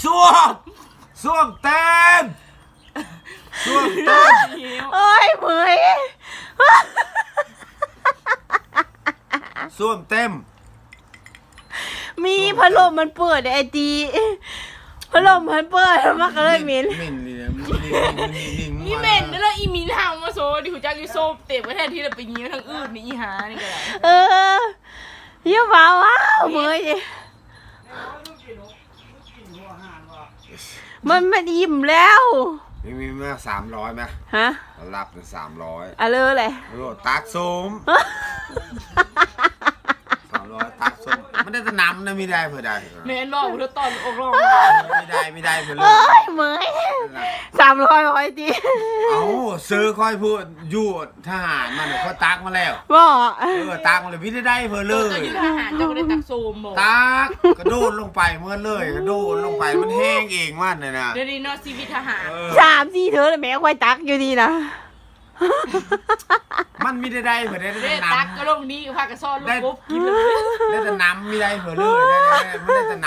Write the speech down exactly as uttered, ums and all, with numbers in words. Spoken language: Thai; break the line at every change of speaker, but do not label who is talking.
ส้วมส้วมเต็มส้วมเต็ม
โอ้ยเมื่อย
ส้วมเต็ม
มีพัดลมมันเปิดไอตีพัดลมมันเปิดมันก็เลยเหม็น
เหม็นเลยนะ
นี่เหม็นแล้วอีมินทำมาโซ่ดิหูจักยูโซ่เตะไว้แทนที่เราไปยิ้มทางอื่นนี่อีหานี่ก็ได้
เออเยี่ยมว้าวว้าวเมื่อยมันมันอิ่มแล้ว
มีมีมาสามร้อยไหม
ฮะ
รับเป็นสามร้อย
อะเลยเลย
โอ้ตักส้มสามร้อยตักส้มมันได้แต่น้ำนะไม่ได้เพื่อได้
เมนบอกเธอตอนอกร้อง
ไม่ได้ไม่ได้เพื่อเล
เอ้
ย
ยเมื่อยสามร้อยร้อยตี
เอาซื้อค่อยพูดอยู่ทหารมันเขาตักมาแล้ว
บอก
เออตักมาเลยพี่ได้ได้เพื่อเล
เธอย อยู่ทหารเจ้าก็ได้ตักโซมบอก
ตักกระโดดลงไปเมื่อเลยกระโดดลงไปมันแห้งเองมันเลยนะ
เดี๋ยวนี้นอชีวิตทหาร
เออ
สามสี่เธอเลยแม่ควายตักอยู่ดีนะ
มันไม่ได้ได้เพื่อได้
เด้
แต่น้
ตักก็ลงนี้พากระซ่อนลูกกบกินเลย
ำได้แต่น้ำไม่ได้เพื่อเลยได้ได้ไม่ได้แต่น้ำ